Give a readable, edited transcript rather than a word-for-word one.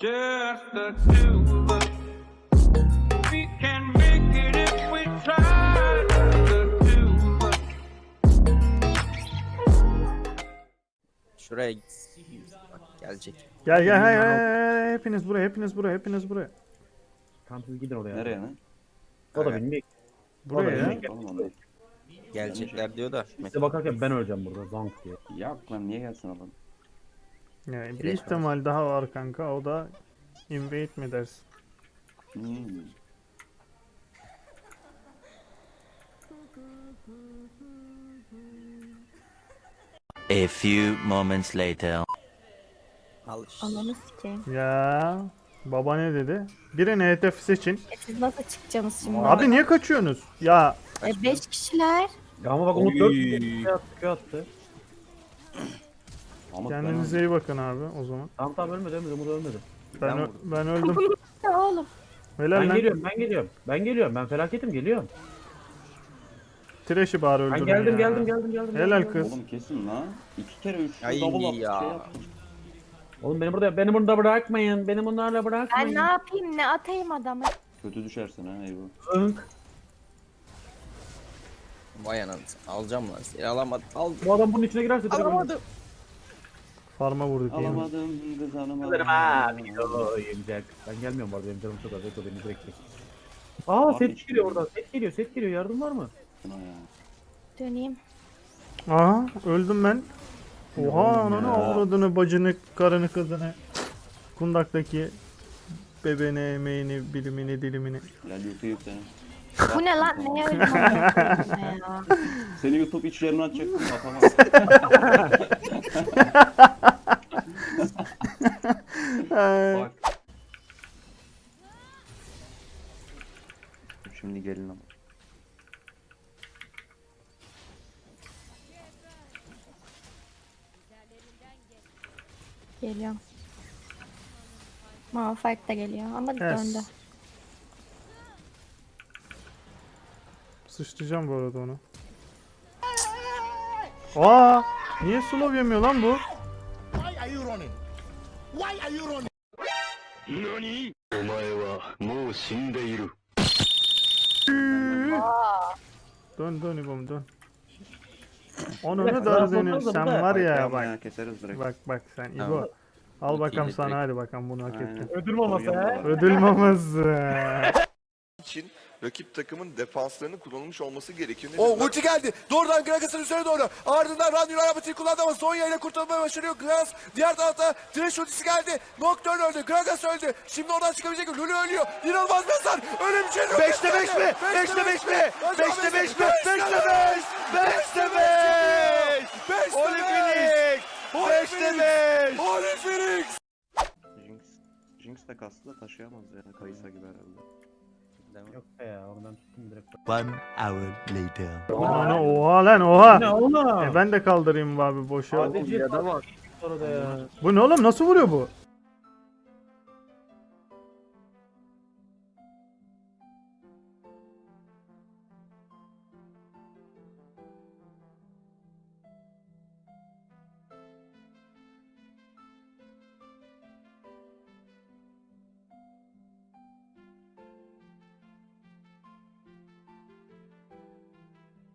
Just the two of us. We can make it if we try. The two of us. Şuraya git. Bak gelecek. Gel gel hayır, hepiniz buraya, hepiniz buraya, hepiniz buraya. Tamam siz gidin oraya. Nereye lan? O da bilmiyor. Buraya ya. Oğlum onlar. Gelecekler diyor da. Size bakarken ben öleceğim burada zank diye. Yok lan niye gelsin adam? Yani bir Direkt ihtimal daha var kanka, o da invade mi dersin? Hmm. A few moments later. Al işte. Ananı sikeyim. Ya baba ne dedi? Birini hedef seçin. Siz nasıl çıkacaksınız şimdi? Abi niye kaçıyorsunuz? Ya 5 kişiler. Ya ama bak Umut 4 attı. Ama kendinize iyi bakın abi o zaman. Tamam tamam ölmedi Umut ölmedi. Ben, vurdum. ben öldüm. Ya oğlum. Helal Ben lan. geliyorum. Ben geliyorum. Ben felaketim geliyorum. Trash'i bari Ben öldürün geldim ya. geldim. Helal kız. Oğlum kesin lan. 2 kere 3 Ay double up ya. şey yapmış. Oğlum beni burada bırakmayın. Beni bunlarla Ben bırakmayın. ne yapayım, ne atayım adamı? Kötü düşersin ha Eyvah. Önk. Vay anasını. Alacağım lan seni. Alamadım. Aldım. Bu adam bunun içine girerse direkt Alamadım. Farma vurduk iyi mi? Alamadım kız hanım ölürüm ha. Video yemeyecek. Ben gelmiyorum bu arada benim canım çok az. Eko beni direkt çek. Aa set geliyor oradan. Set geliyor. Yardım var mı? Ya. Döneyim. Aha öldüm ben. Oha ananı avradını, bacını, karını, kızını. Kundaktaki bebeğini, emeğini, bilimini, dilimini. Lan YouTube seni. Bu ne lan? Neye öyle manyak ya? Seni YouTube içlerini açacaktım kafama. Bak. Şimdi gelin ama. Geliyorum. Malphite da geliyor ama Yes. döndü. Sıçrayacağım bu arada onu. Aa, niye slow yemiyor lan bu? Dön dön İbom dön. Onu ne dar denir sen var ya Tamam bak. keseriz direkt. Bak sen İbo. Tamam. Al bakalım İkiyle sana, direkt. hadi bakalım bunu hak Aynen. ettin. Ödül maması he. Ödül maması. için rakip takımın defanslarının kullanılmış olması gerekiyor. O ulti geldi. Doğrudan Gragas'ın üzerine doğru. Ardından Randy'nin arabasını kullandı ama Sonya ile kurtulmayı başarıyor. Gragas diğer tarafta Thresh ultisi geldi. Nocturne öldü. Gragas öldü. Şimdi oradan çıkabilecek mi? Lulu ölüyor. İnanılmaz bir hasar. Öyle bir şey yok. 5'te 5 mi? 5'te 5 mi? 5'te 5 mi? 5'te 5! 5'te 5! Holy Phoenix! 5'te 5! Holy Phoenix. Jinx de kastı da taşıyamaz ya. Kayısa gibi herhalde. Yok be ya oradan tuttum direkt. 1 hour later. Ana oha lan oha. Ne oğlum? Ben de kaldırayım abi boşa. Sadece ya da var. Orada ya. Bu ne oğlum, nasıl vuruyor bu?